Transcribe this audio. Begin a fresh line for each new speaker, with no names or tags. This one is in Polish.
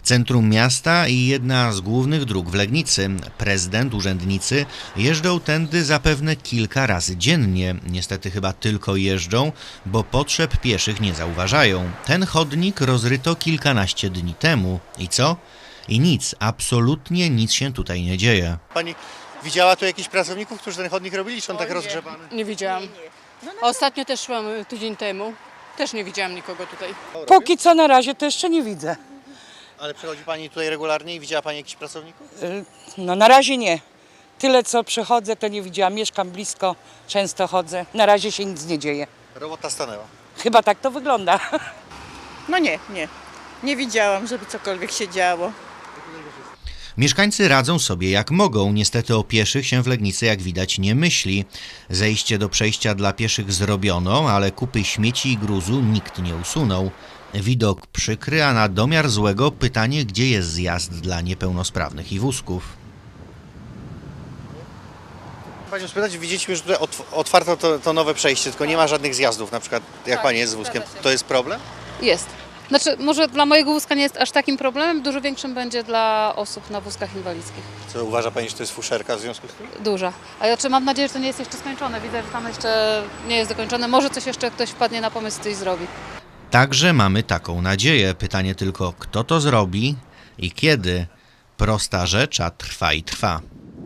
Centrum miasta i jedna z głównych dróg w Legnicy. Prezydent, urzędnicy jeżdżą tędy zapewne kilka razy dziennie. Niestety chyba tylko jeżdżą, bo potrzeb pieszych nie zauważają. Ten chodnik rozryto kilkanaście dni temu. I co? I nic, absolutnie nic się tutaj nie dzieje.
Pani widziała tu jakichś pracowników, którzy ten chodnik robili, czy on tak rozgrzebany?
Nie widziałam. Ostatnio też szłam tydzień temu. Też nie widziałam nikogo tutaj.
Póki co na razie to jeszcze nie widzę.
Ale przychodzi Pani tutaj regularnie i widziała Pani jakichś pracowników?
No na razie nie. Tyle co przychodzę to nie widziałam. Mieszkam blisko, często chodzę. Na razie się nic nie dzieje.
Robota stanęła.
Chyba tak to wygląda.
No nie. Nie widziałam, żeby cokolwiek się działo.
Mieszkańcy radzą sobie jak mogą. Niestety o pieszych się w Legnicy, jak widać, nie myśli. Zejście do przejścia dla pieszych zrobiono, ale kupy śmieci i gruzu nikt nie usunął. Widok przykry, a na domiar złego pytanie, gdzie jest zjazd dla niepełnosprawnych i wózków.
Panią spytać, widzieliśmy, że tutaj otwarto to nowe przejście, tylko nie ma żadnych zjazdów, na przykład jak
Tak,
Pani jest z wózkiem.
zgadza się.
To jest problem?
Jest. Znaczy, może dla mojego wózka nie jest aż takim problemem, dużo większym będzie dla osób na wózkach inwalidzkich.
Co uważa Pani, że to jest fuszerka w związku z tym?
Duża. A ja mam nadzieję, że to nie jest jeszcze skończone. Widzę, że tam jeszcze nie jest dokończone. Może coś jeszcze ktoś wpadnie na pomysł i coś zrobi.
Także mamy taką nadzieję. Pytanie tylko, kto to zrobi i kiedy. Prosta rzecz, a trwa i trwa.